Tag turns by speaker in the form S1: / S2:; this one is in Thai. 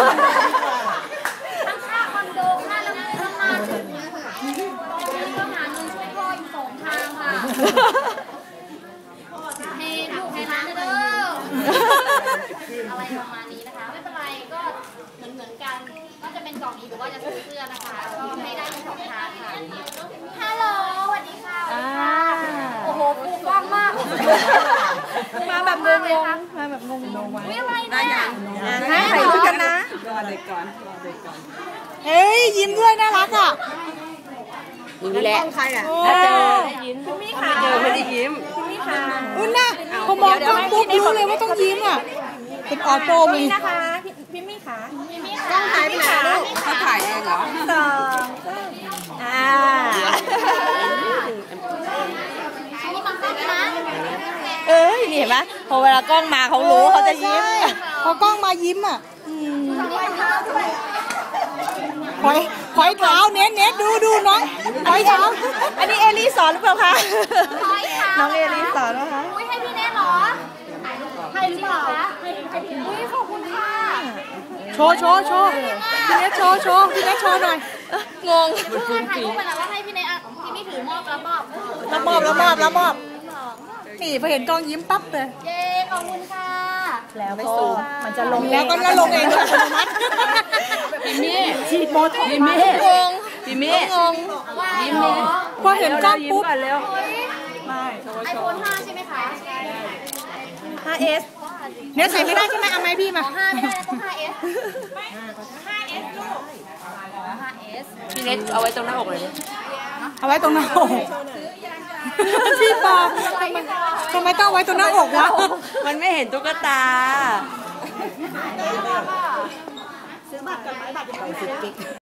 S1: ค่าคอนโดค่าละมุนน้ำมันตอนนี้ก็หาเงินช่วยพ่ออยู่2 ทางค่ะให้ลูกให้ร้านเด้ออะไรประมาณนี้นะคะไม่เป็นไรก็เหมือนกันก็จะเป็นกล่องนี้หรือว่าจะซื้อเสื้อนะคะก็ให้ได้ทั้ง2 ทางค่ะฮัลโหลสวัสดีค่ะโอ้โหปูกว้างมากมาแบบงงมาแบบงงๆไม่อะไรนะถ่ายรูปกันนะ
S2: รอเด็กก่อน
S3: เฮ้ยยิ้มด้วยน่ารักอ่ะ
S2: ยิ้มแหละใครอ่ะถ้าเจอยิ้มถ้าไม่เจอไม่ได้ยิ้ม
S3: อุ้นนะพอมองกล้องปุ๊บรู้เลยว่าต้องยิ้มอ่ะเป็นออโต้มี
S1: นะคะพี่มี่ขา
S2: ต้องถ่ายไปไหนลูกเขาถ่ายเองเหรอ
S1: นี่มันก็นะ
S4: นี่เห็นไหมพอเวลากล้องมาเขารู้เขาจะยิ้ม
S3: พอกล้องมายิ้มอ่ะหอยเท้าเน็ตดูน้องหอยเท้า
S4: อันนี้เอลี่สอนหรือเปล่าคะน้องเอลี่สอนนะคะ
S1: อุ้ยให้พี่แน่หรอให้หรือเปล่าอุ้ยขอบคุณค่ะ
S3: โชว์พี่เน็ตโชว์พี่เน็ตโชว์หน่อย
S4: งง
S1: ถ่ายรูปไปแล้วว่าให้พี่เน็ตพี่นี่ถือมอบแล้ว
S3: มอบนี่พอเห็นกล้องยิ้มปั๊บเลย
S1: เย้ขอบคุณค่ะ
S4: แล้วก็มันจะลง
S3: แล้วก็ลงเองอัตโนมัติ
S4: พี่เม่
S3: ฉีดโบท็อกซ์
S4: พี่เม่
S3: ยิ้มพอเห็นกล้องปุ๊บ
S1: ไอโฟน5ใช่ไหมคะ
S4: 5S
S3: เนี่ยใส่ไม่ได้ใช่ไหมเอาไหมพี่มา
S1: 5ไม่ได้ต้อง 5S ลูก5S
S4: พี่เน็ตเอาไว้ตรงหน้าอกเลย
S3: เอาไว้ตรงหน้าอกพี่ปอทำไมต้องไว้ตรงหน้าอกวะ
S4: มันไม่เห็นตุ๊กตา
S1: ซื้อบัตรกันไหมบัตรจะไป